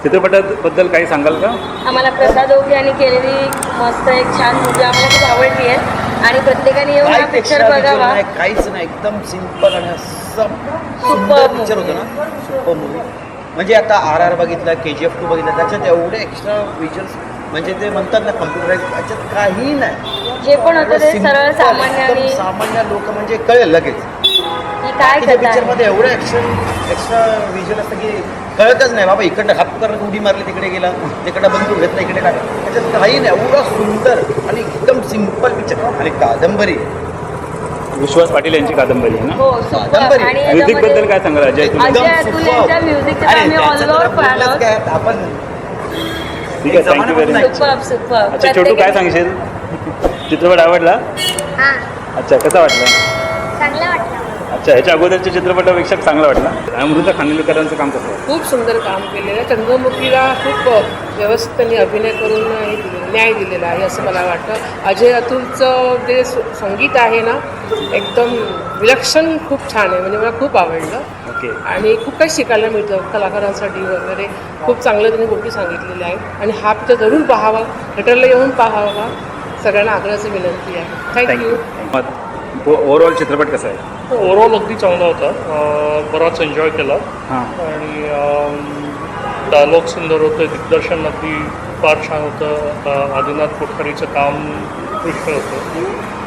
चित्रपटाबद्दल काही सांगाल का? आम्हाला प्रसाद ओके यांनी केलेली मस्त एक छान मूवी आम्हाला खूप आवडली आहे आणि प्रत्येकाने येऊन हा पिक्चर बघावा. काहीच नाही, एकदम सिंपल आणि असं सुपर पिक्चर होतं ना, सुपर मूवी. म्हणजे आता RR बघितला, KGF 2 बघितला, त्याच्यात एवढे एक्स्ट्रा विज्युअल्स म्हणजे ते म्हणतात ना कम्प्युटराईज, त्याच्यात काही नाही. जे पण होतं ते सरळ सामान्य आणि सामान्य लोक म्हणजे कळेल लगेच. काय पिक्चरमध्ये एवढं एक्स्ट्रा विज्युअल असतं की कळतच नाही बाबा इकडं हात करून उडी मारली तिकडे गेला, तिकडं बंदूक घेतला इकडे टाका, त्याच्यात काही नाही. एवढं सुंदर आणि एकदम सिंपल पिक्चर. आणि कादंबरी विश्वास पाटील यांची कादंबरी आहे ना. हो सुपर. आणि म्युझिक बद्दल काय सांगाल अजय? अजय अतुल यांच्या म्युझिकचे आम्ही ऑलओव्हर फॅन आहोत. आपण ठीक आहे, थँक्यू व्हेरी मच. सुपर. अच्छा छोटू काय सांगशील? चित्रपट आवडला? हां, अच्छा कसा वाटला? चांगलं वाटलं. अच्छा ह्याच्या अगोदरच्या चित्रपटापेक्षा चांगला वाटला. अमृता खानविलकरांचं काम कसं आहे? खूप सुंदर काम केलेलं आहे. चंद्रमुखीला खूप व्यवस्थित त्यांनी अभिनय करून न्याय दिलेला आहे असं मला वाटतं. अजय अतुलचं जे संगीत आहे ना एकदम विलक्षण, खूप छान आहे. म्हणजे मला खूप आवडलं. ओके. आणि खूप काही शिकायला मिळतं कलाकारांसाठी वगैरे. खूप चांगलं त्यांनी गोष्टी सांगितलेल्या आहेत आणि हा पिक्चर जरूर पाहावा, थिएटरला येऊन पाहावा, सगळ्यांना आग्रहाची विनंती आहे. थँक्यू. ओव्हरऑल चित्रपट कसा आहे? ओव्हरऑल अगदी चांगला होता. बराच एन्जॉय केला हां. आणि डायलॉग सुंदर होतं, दिग्दर्शन अगदी फार छान होतं. आदिनाथ कोठारीचं काम उत्कृष्ट होतं.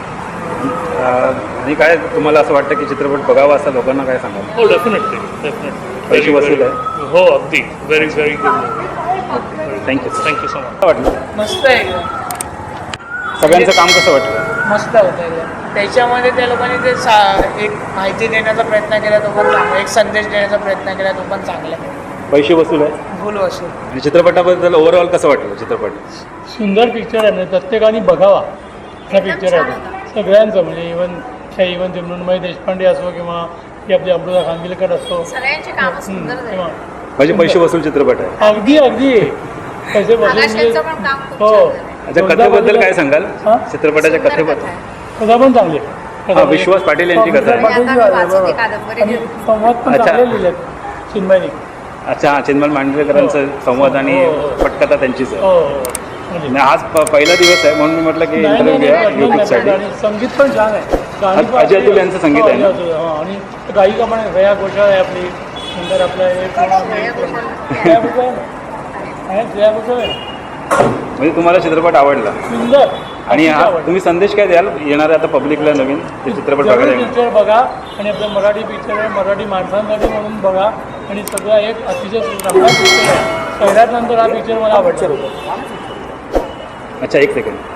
आणि काय तुम्हाला असं वाटतं की चित्रपट बघावा असं लोकांना काय सांगाल? हो डेफिनेटली पैसे वसूल आहे? हो अगदी very very good. Thank you so much. काय वाटलं? मस्त आहे, सगळ्यांचं काम कसं वाटलं? मस्त होतं एकदम. त्याच्यामध्ये त्या लोकांनी ते एक माहिती देण्याचा प्रयत्न केला तो पण चांगला, एक संदेश देण्याचा प्रयत्न केला तो पण चांगला. पैसे वसूल आहे? भूल वसूल. आणि चित्रपटाबद्दल ओव्हरऑल कसं वाटलं चित्रपट? सुंदर पिक्चर आहे. म्हणजे प्रत्येकाने बघावा हा पिक्चर आहे सगळ्यांचं. म्हणजे इवन ते मृण्मयी देशपांडे असो किंवा ती आपली अमृता खानविलकर असो, सगळ्यांचे काम सुंदर झाले. म्हणजे पैसे वसूल चित्रपट आहे? अगदी पैसे वसूल आकाशाचं पण काम खूप हो. छान झालं. अच्छा कथेबद्दल काय सांगाल? चित्रपटाच्या सुंदर कथेबद्दल? कथा आहे. कथा पण चांगली हा, विश्वास पाटील यांची कथा आहे. आता मी वाचते कादंबरी. आणि संवाद पण अच्छा. चांगले लिहिले चिन्मयनी. अच्छा हा, चिन्मय मांडलेकरांचं संवाद आणि पटकथा त्यांचीच आहे. म्हणजे आणि आज पहिला दिवस आहे म्हणून मी म्हटलं की इंटरव्ह्यू घ्या यूट्यूबसाठी. आणि संगीत पण छान आहे. गाणी पण अजय अतुल यांचं संगीत आहे ना? आणि गायिका पण श्रेया घोषाल आहे आपली. नंतर आपलं श्रेया घोषाल आहे. म्हणजे तुम्हाला चित्रपट आवडला? सुंदर. आणि हा तुम्ही संदेश काय द्याल येणाऱ्या आता पब्लिकला नवीन ते चित्रपट बघायला? पिक्चर बघा आणि आपलं मराठी पिक्चर आहे, मराठी माणसांसाठी म्हणून बघा. आणि सगळा एक अतिशय चांगला पिक्चर आहे. सगळ्यात नंतर हा पिक्चर मला आवडला. अच्छा एक सेकंड.